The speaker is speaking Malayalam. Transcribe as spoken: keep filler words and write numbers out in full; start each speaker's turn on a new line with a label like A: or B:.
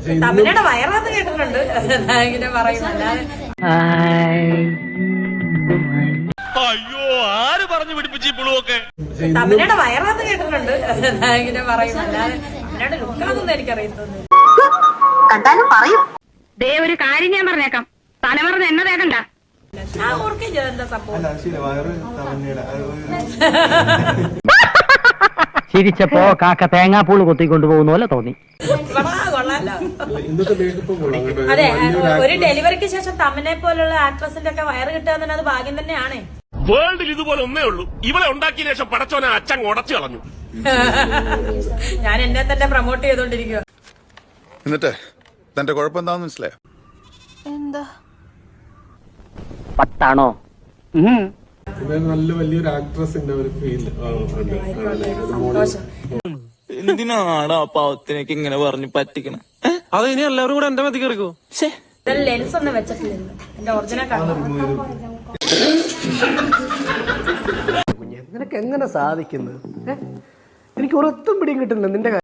A: തമിഴയുടെ വയറാന്ന് കേട്ടിട്ടുണ്ട്. ഇങ്ങനെ പറയും.
B: അയ്യോ, ആര് പറഞ്ഞു പിടിപ്പിച്ചു ഈ പുളുവൊക്കെ?
A: തമിഴയുടെ വയറാന്ന് കേട്ടിട്ടുണ്ട്. ഇങ്ങനെ പറയും. അല്ലാതെ തമിഴയുടെ ലുക്കാന്നൊന്നും എനിക്കറിയത്തൊന്നും.
C: കണ്ടാലും പറയും.
D: ദേ ഒരു കാര്യം ഞാൻ പറഞ്ഞേക്കാം, തലമറന്ന് എന്നെ തേക്കണ്ട.
A: ഞാൻ ഓർക്കുകയും ചെയ്തെന്താ സംഭവം.
E: ചിരിച്ചപ്പോ കാക്ക തേങ്ങാപ്പൂള് കൊത്തിക്കൊണ്ടുപോകുന്ന പോലെ തോന്നി.
A: കൊള്ളാലോ. അതെ, ഒരു ഡെലിവറിക്ക് ശേഷം തമിഴിനെ പോലുള്ള ആക്ട്രസിന്റെ ഒക്കെ വയറ് കിട്ടുക തന്നെ അത് ഭാഗ്യം തന്നെയാണ്.
B: വേൾഡിൽ ഇതുപോലെ ഒന്നേ ഉള്ളൂ. ഇവളെ ഉണ്ടാക്കിയ ശേഷം പടച്ചോനെ അച്ഛൻ ഉടച്ചു കളഞ്ഞു.
A: ഞാൻ എന്നെ തന്നെ പ്രൊമോട്ട് ചെയ്തോണ്ടിരിക്കുക.
F: എന്നിട്ട് തന്റെ കുഴപ്പമെന്താന്ന് മനസ്സിലായോ?
C: എന്താ
E: പത്താണോ?
G: നല്ല വലിയൊരു ആക്ട്രസിന്റെ ഒരു ഫീൽ.
H: എന്തിനാണ് ആ പാവത്തിനൊക്കെ ഇങ്ങനെ പറഞ്ഞു പറ്റിക്കണ?
G: അത് ഇനി എല്ലാവരും കൂടെ എന്റെ മതി കയറിക്കോ.
A: ലെൻസ് ഒന്നും വെച്ചിട്ടില്ല. എന്റെ ഒറിജിനൽ
I: നിനക്ക് എങ്ങനെ സാധിക്കുന്നത്? എനിക്ക് ഒരൊത്തും പിടിയും കിട്ടുന്നില്ല നിന്റെ